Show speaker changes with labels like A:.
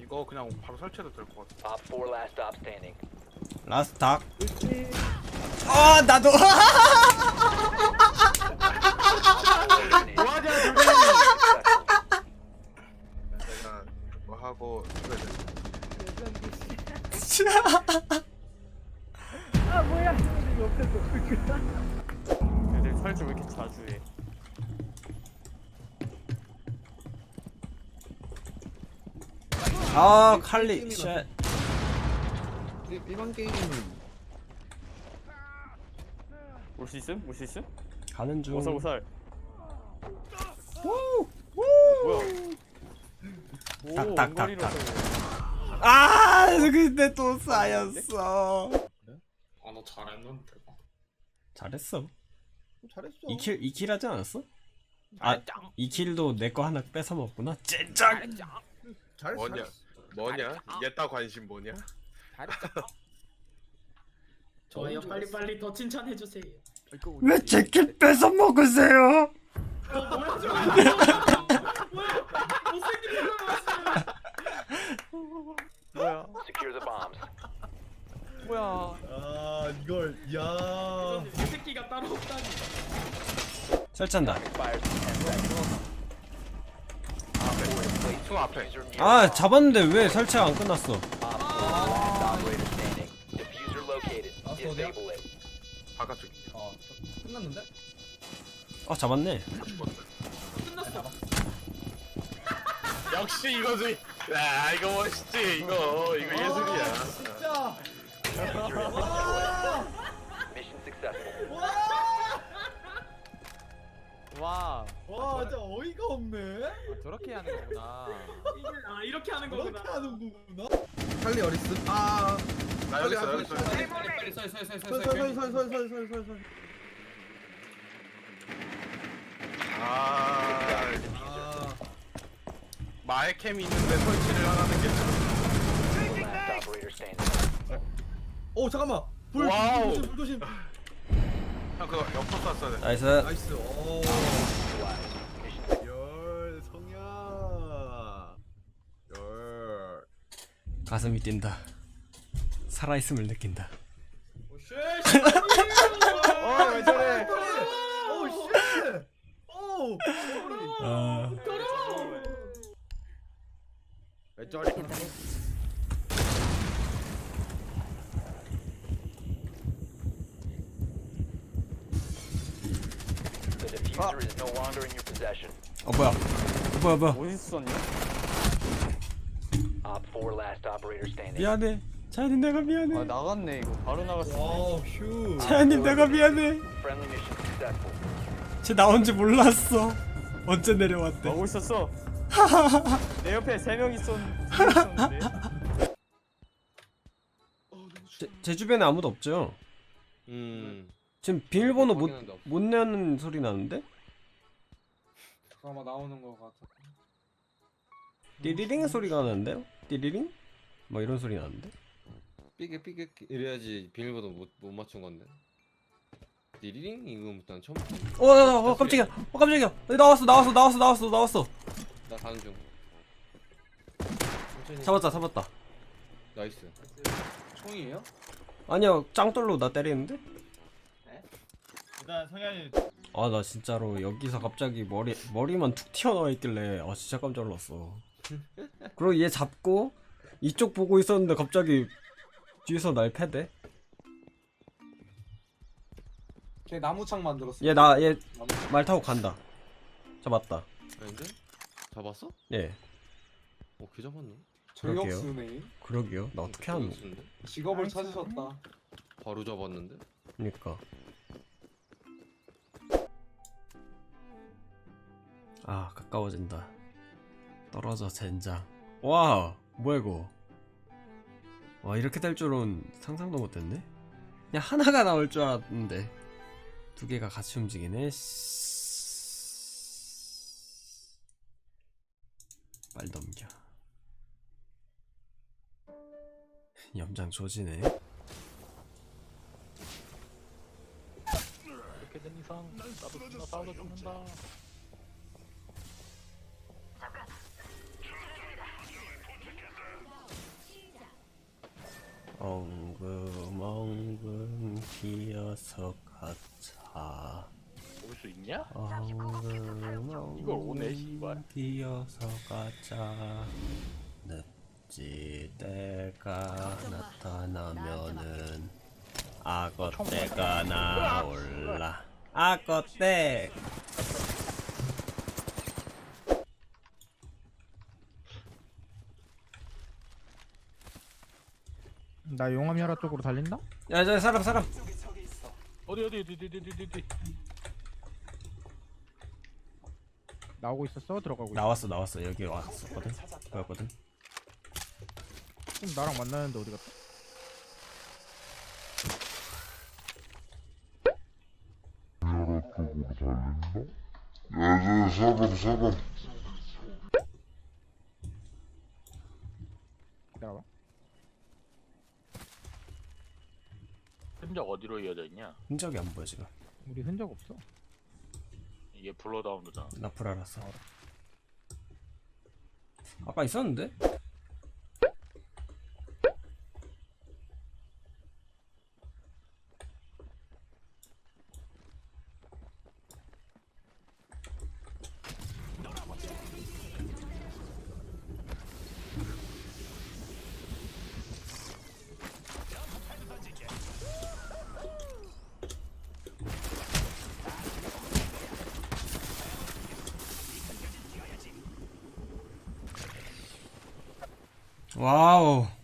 A: 이거 그냥 바로 설치해도 될 것 같아.
B: Op 4 last stop standing.
C: 라스트 닭. 아 나도.
A: 뭐하냐 둘이. 내가 뭐 하고 그래.
D: 아 뭐야 이거 옆에 또
E: 애들 설치 왜 이렇게 자주 해?
C: 아 칼리 쉣.
F: 일반 게임은
E: 올 수 있음? 올 수 있음?
C: 가는 중.
E: 오살오살.
C: 우!
E: 뭐야?
C: 탁,
E: 오,
C: 탁,
E: 원거리로
C: 탁,
E: 쏘네.
C: 아 근데 또 쌓였어.
G: 아 너 잘했는데.
C: 잘했어.
F: 잘했어.
C: 2킬 하지 않았어? 아 2킬도 내 거 하나 뺏어 먹구나. 젠장.
A: 뭐냐? 뭐냐? 얘따 관심 뭐냐?
G: 좋아요 빨리빨리 더 칭찬해주세요.
C: 왜 제 킬 뺏어 먹으세요?
E: 뭐야?
B: Secure the bombs.
E: 뭐야?
F: 아 이걸 야.
G: 이 새끼가 따로 없다니.
C: 설치한다.
B: Expires in 10 seconds.
A: 총 앞에.
B: Diffuser near
C: 아
B: bomb.
C: 잡았는데 왜 설치가 안 끝났어?
B: Op 4 last operator standing. Diffuser located.
F: 어디야?
B: Disable it.
A: 바깥쪽.
F: 끝났는데?
C: 아 잡았네.
A: 역시 이거지. 야 이거 멋있지. 이거 예술이야.
F: 진짜.
B: Diffuser is destroyed. Mission successful.
E: 와.
F: 와 진짜 어이가 없네.
E: 저렇게 하는 거구나.
G: 이렇게 하는 거구나.
F: 그렇게 하는 거구나. 칼리 어리스. 아.
A: 나 여기 있어 여기 있어.
G: 빨리
F: 설설설설설설설설.
A: 아
F: 아.
A: 마에캠이 있는데 설치를 하라는 게 좀.
B: Last operator standing.
F: 오 잠깐만. 불
A: 와우.
F: 조심, 불 조심.
A: 형 그거 옆으로 쐈어야 돼.
C: 나이스.
F: 나이스. 오.
B: Neutralized. Mission
F: 열 성야. 열.
C: 가슴이 뛴다. 살아있음을 느낀다.
F: 오쉣.
E: 왜 저래?
F: 오 쉣. 오.
C: 아
F: 왜 저리?
B: The diffuser is no longer in your possession.
C: 뭐야.
E: 어디서 썼냐?
B: Op 4 last operator standing.
C: 미안해. 차연님 내가
E: 아
C: 미안해.
E: 나갔네 이거. 바로 나갔어.
F: 와우 휴.
C: 차연님 내가 미안해.
B: Friendly mission successful.
C: 쟤 나온지 몰랐어. 언제 내려왔대?
E: 하고 있었어. 내 옆에 3명 있었는데.
C: 제 주변에 아무도 없죠? 지금 비밀번호 못 내는 소리 나는데?
G: 아마 나오는 거 같아.
C: 띠리링 소리가 나는데요? 띠리링? 뭐 이런 소리 나는데?
H: 삐게 이래야지 비밀번호 못 맞춘 건데. 리링 이거 난 처음.
C: 깜짝이야. 깜짝이야. 나왔어.
H: 나 가는 중. 천천히.
C: 잡았다.
H: 나이스.
G: 총이에요?
C: 아니야, 짱돌로 나 때리는데?
D: 일단 성현이
C: 아, 나 진짜로 여기서 갑자기 머리만 툭 튀어나와 있길래 아 진짜 깜짝 놀랐어. 그리고 얘 잡고 이쪽 보고 있었는데 갑자기 뒤에서 날 패대.
G: 걔 나무창 만들었어.
C: 얘 말 타고 간다. 잡았다.
H: 아닌데? 잡았어?
C: 예.
H: 걔 잡았네.
G: 저격수네.
C: 그러게요. 나 어떻게 하는?
H: 저격수인데?
G: 직업을 찾으셨다.
H: 바로 잡았는데?
C: 그니까. 아 가까워진다. 떨어져 젠장. 와 뭐야 이거. 와 이렇게 될 줄은 상상도 못했네. 그냥 하나가 나올 줄 알았는데 두 개가 같이 움직이네. 빨 넘겨. 염장 조지네.
E: 이렇게 된 이상 나도 나 싸우다 죽는다.
C: 엉금엉금 기어서 가자.
A: 올 수 있냐?
C: 엉금엉금
A: 이걸 오네, 씨발.
C: 기어서 가자. 늪지 때가 나타나면은 악어 때가 나올라. 악어 때.
D: 나 용암열화 쪽으로 달린다?
C: 야, 저 사람.
A: 어디.
D: 나오고 있었어? 들어가고 있어?
C: 나왔어. 여기 왔었거든. 보였거든.
D: 지금 나랑 만나는데 어디 갔다? 기다려봐.
A: 흔적 어디로 이어져 있냐?
C: 흔적이 안 보여 지금.
D: 우리 흔적 없어.
A: 이게 블러다운드잖아.
C: 나 불 알았어. 아까 있었는데? 와우.